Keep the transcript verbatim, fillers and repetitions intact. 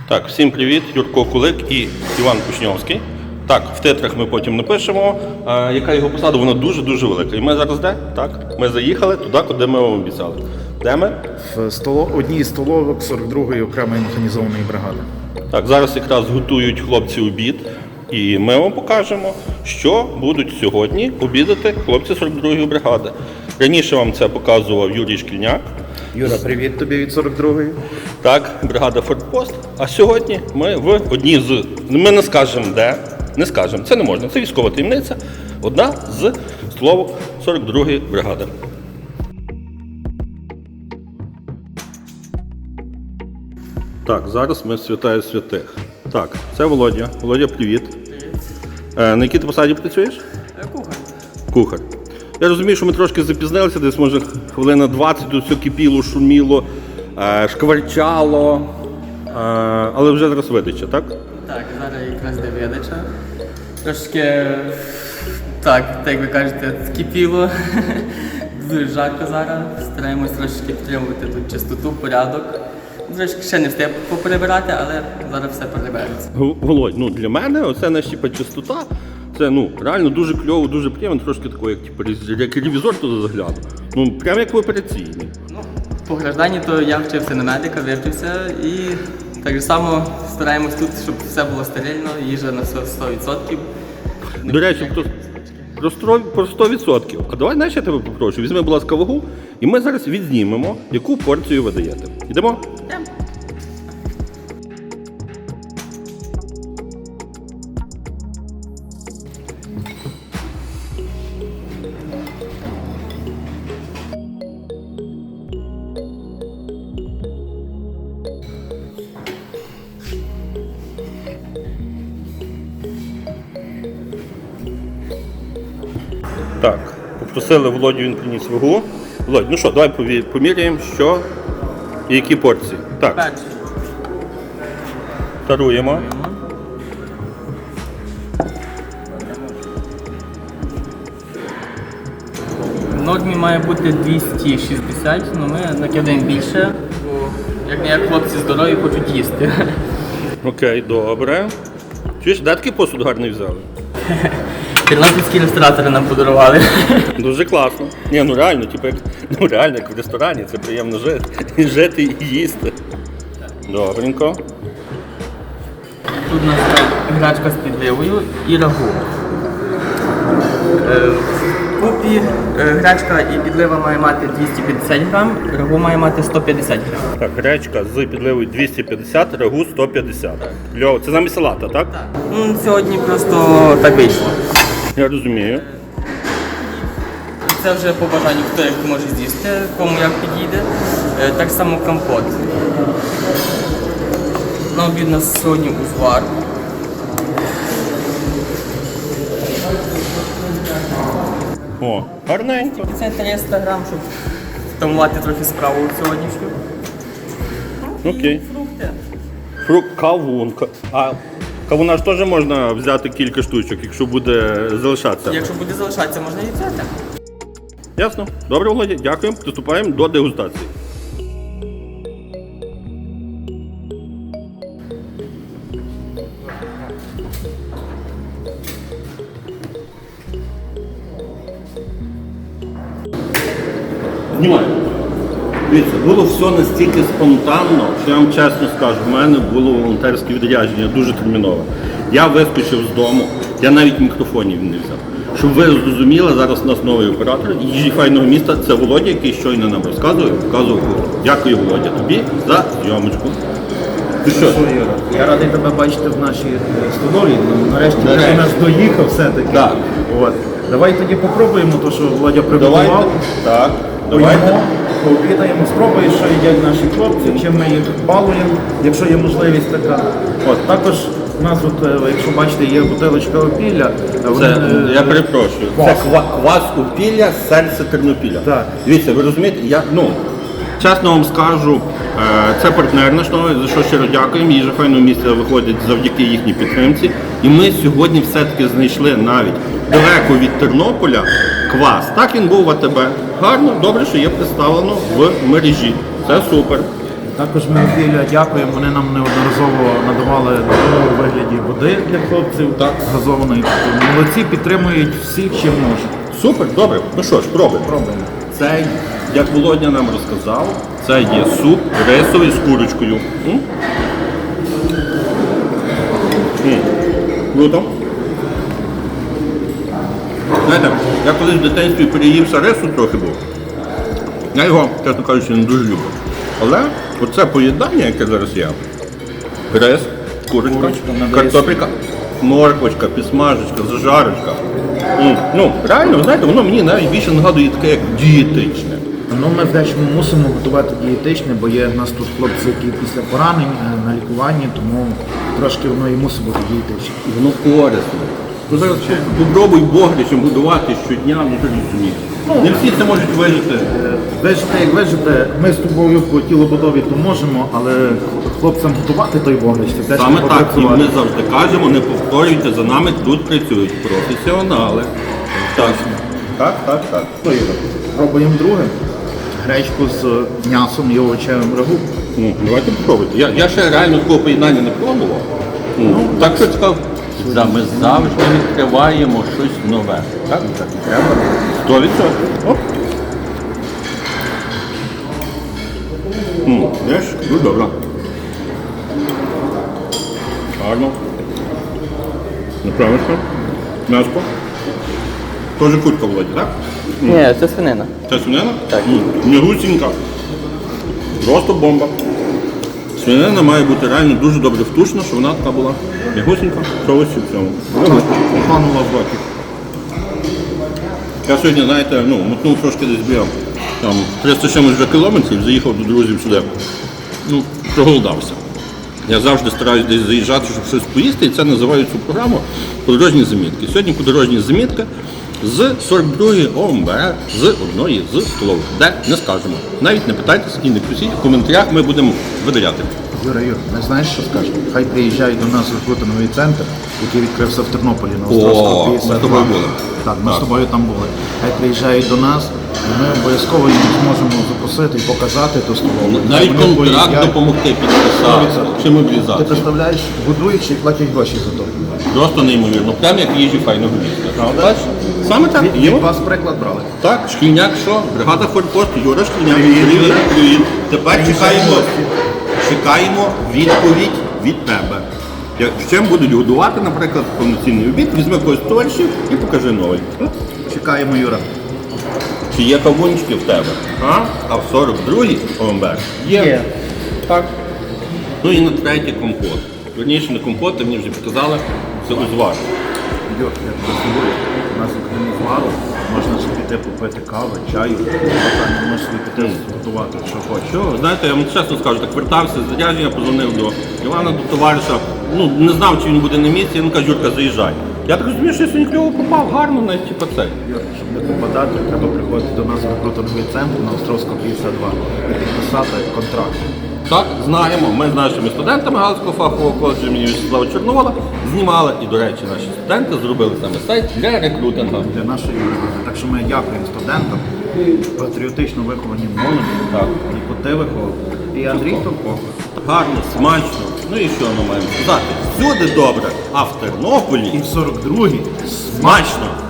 Так, всім привіт, Юрко Кулик і Іван Кушньовський. Так, в титрах ми потім напишемо, а, яка його посада, вона дуже-дуже велика. І ми зараз де? Так, ми заїхали туди, куди ми вам обіцяли. Де ми? В столо... одній з столовок сорок другої окремої механізованої бригади. Так, зараз якраз готують хлопці обід. І ми вам покажемо, що будуть сьогодні обідати хлопці сорок другої бригади. Раніше вам це показував Юрій Шкільняк. Юра, привіт тобі від сорок другої. Так, бригада Фортпост. А сьогодні ми в одній з... Ми не скажемо де, не скажемо, це не можна, це військова таємниця. Одна з столовок сорок другої бригади. Так, зараз ми святаю святих. Так, це Володя. Володя, привіт. Е, на якій ти посаді працюєш? Кухар. Кухар. Я розумію, що ми трошки запізнилися, десь може хвилина двадцять, тут все кипіло, шуміло, е, шкварчало, е, але вже зараз видача, так? Так, зараз якраз де видача. Трошки, так, так як ви кажете, кипіло. Дуже жарко зараз. Стараємось трошки підтримувати тут чистоту, порядок. Трошки ще не встиг поперебирати, але зараз все перебереться. Г- Володь, ну для мене оце наша типу, чистота, це ну реально дуже кльово, дуже приємно, трошки такого, як, типу, рез- як ревізор туди загляну. Ну, прямо як в операційній. Ну, по гражданні то я вчився на медика, вивчився і так само стараємось тут, щоб все було стерильно, їжа на все сто відсотків. До речі, про, про, стро- про сто відсотків. А давай, знаєш, я тебе попрошу, візьми, будь ласка, вагу, і ми зараз відзнімемо, яку порцію ви даєте. Йдемо? Йдемо. Так, попросили Володю, він приніс вагу. Володь, ну що, давай пові- поміряємо, що і які порції. Так, Перший. таруємо. В нормі має бути двісті шістдесят, але ми накидаємо більше, бо як не як хлопці здорові хочуть їсти. Окей, добре. Чуєш, де такий посуд гарний взяли? Тернопільські ресторатори нам подарували. Дуже класно. Ні, ну реально, типу, як, ну реально, як в ресторані, це приємно жити. І жити і їсти. Добренько. Тут у нас грачка з підливою і рагу. Е, В купі е, грачка і підлива має мати двісті п'ятдесят грам, рагу має мати сто п'ятдесят грам. Так, гречка з підливою двісті п'ятдесят, рагу сто п'ятдесят. Кльово. Це замість салата, так? Ну, сьогодні просто так вийшло. Я розумію. Це вже по бажанню, хто як може з'їсти, кому як підійде. Е, Так само компот. На обід у нас сьогодні узвар. О, гарненько. Це триста грам, щоб втамувати трохи справу сьогоднішню. Окей. Фрукти. Фрукт, кавунка. А кавуна ж теж можна взяти кілька штучок, якщо буде залишатися. Якщо буде залишатися, можна і взяти. Ясно? Добре, Володя, дякуємо. Приступаємо до дегустації. Знімаю. Дивіться, було все настільки спонтанно, що я вам чесно скажу, в мене було волонтерське відрядження дуже термінове. Я вискочив з дому, я навіть мікрофонів не взяв. Щоб ви зрозуміли, зараз у нас новий оператор їжі файного міста, це Володя, який щойно нам розказував, показував кухню. Дякую, Володя, тобі за зйомочку. Ти що? Я радий тебе бачити в нашій е, столові. Ну, Нарешті Нарешті. ти до нас доїхав все-таки. Так. От. Давай тоді попробуємо те, що Володя Давайте. приготував. Так, давайте. Поїмо, пообідаємо, спробуємо, що їдять наші хлопці, чим ми їх балуємо, якщо є можливість така. От, також у нас, от, е, якщо бачите, є бутилочка опілля. Це, я перепрошую, це ква- квас Опілля, серце Тернопіля. Так. Дивіться, ви розумієте, я, ну, чесно вам скажу, е, це партнер наш новий, за що щиро дякуємо. Їжа файного місця виходить завдяки їхній підтримці. І ми сьогодні все-таки знайшли навіть далеко від Тернополя квас. Так він був в АТБ. Гарно, добре, що є представлено в мережі. Це супер. Також ми Філя дякуємо, вони нам неодноразово надавали допомогу у вигляді води для хлопців, Так. газованої. Тобто молодці, підтримують всіх, чим можуть. Супер, добре. Ну що ж, пробуємо. Пробуємо. Це, як Володя нам розказав, це є суп рисовий з курочкою. М? М. Круто. Знаєте, я колись в дитинстві переївся рису трохи був. Я його, чесно кажучи, не дуже люблю. Але оце поєднання, яке зараз є, рис, курочка, Курочка, надає картопелька, морквочка, підсмажечка, зажарочка. М, Ну, реально, знаєте, воно мені навіть більше нагадує таке, як дієтичне. Ну, ми в дечому мусимо готувати дієтичне, бо є в нас тут хлопці, які після поранень е, на лікуванні, тому трошки воно і мусить бути дієтичне. І воно корисно. Ну, зараз попробуй богричем будувати щодня, ну ти розумієш. Не всі це можуть вижити. Е, Вижити, як вижити, ми з тобою по тілобудові то можемо, але хлопцям готувати той вогнище, теж Саме треба так, і працювати. ми завжди кажемо, не повторюйте, за нами тут працюють професіонали. Так, так, так, так. Що, Ігор, пробуємо друге. Гречку з м'ясом і овочевим рагу. Ну, давайте попробуйте. Я, я ще реально такого поєднання не пробував. Ну, так що цікаво. Да, ми завжди відкриваємо щось нове. Так? Так і треба. Сто відсотків. Оп. М, Знаєш, дуже добре. Гарно. Направишся. М'яско. Тоже курка, Володя, так? Ні, це свинина. Це свинина? Так. М'ягусінька. Просто бомба. Свинина має бути реально дуже добре втушена, щоб вона така була м'ягусінька, в соусі в цьому. Панула в роті. Я сьогодні, знаєте, ну, мотнув трошки десь біля там триста чимось вже кілометрів, заїхав до друзів сюди. Ну, проголодався. Я завжди стараюсь десь заїжджати, щоб щось поїсти, і це називаю цю програму «Подорожні замітки». Сьогодні подорожні замітки з сорок другої ОМБ, з одної з столових, де не скажемо. Навіть не питайтесь і не пишіть, в коментарях ми будемо видаляти. Юра, Юр, не знаєш, що скажемо? Хай приїжджають до нас рекрутинговий центр, який відкрився в Тернополі на О, Островського ми п'ятдесят два. з тобою були. Так, ми Так. з тобою там були. Хай приїжджають до нас, і ми обов'язково їм зможемо запросити і показати ту столову. Навіть Вони контракт поїдять. допомогти підписати чи Ти мобілізацію. представляєш, будують і платять гроші за то. Просто неймовірно. Прям як їжі файного міста. Бачиш? Саме так. Від, Є. від вас приклад брали. Так, Шкільняк що? Бригада Форпост, Юра Шкільняк. Привіт, Привіт, Юра. привіт. Тепер чекаємо, чекаємо відповідь від тебе. Як чим будуть годувати, наприклад, повноцінний обід, візьми когось з товаришів і покажи новий. Чекаємо, Юра. Чи є кавунчики в тебе? А? А в сорок другій ОМБ є. Так. Ну і на третій компот. Верніше не компот, ти мені вже показали, це узвар. Юр, я тебе здивую. У нас окрім звару можна собі піти попити кави, чаю, а можеш собі піти готувати, що хочеш. Що, знаєте, я вам чесно скажу, так вертався з зарядження, позвонив до Івана, до товариша. Ну, не знав, чи він буде на місці, він каже, Юрка, заїжджай. Я так розумію, що я сьогодні кльово попав, гарно, навіть типу цей. Юр, щоб не попадати, треба приходити до нас в рекрутинговий центр на Островського п'ятдесят два і підписати контракт. Так, знаємо. Ми з нашими студентами Галицького фахового коледжу імені Вячеслава Чорновола знімали, і, до речі, наші студенти зробили саме сайт для рекрутингу. Для нашої молоді. Так що ми дякуємо студентам, патріотично виховані молоді, Так. і коти виховані. І Андрій Товко. Гарно, смачно. Ну і що ми маємо сказати? Всюди добре, а в Тернополі І в сорок другій смачно.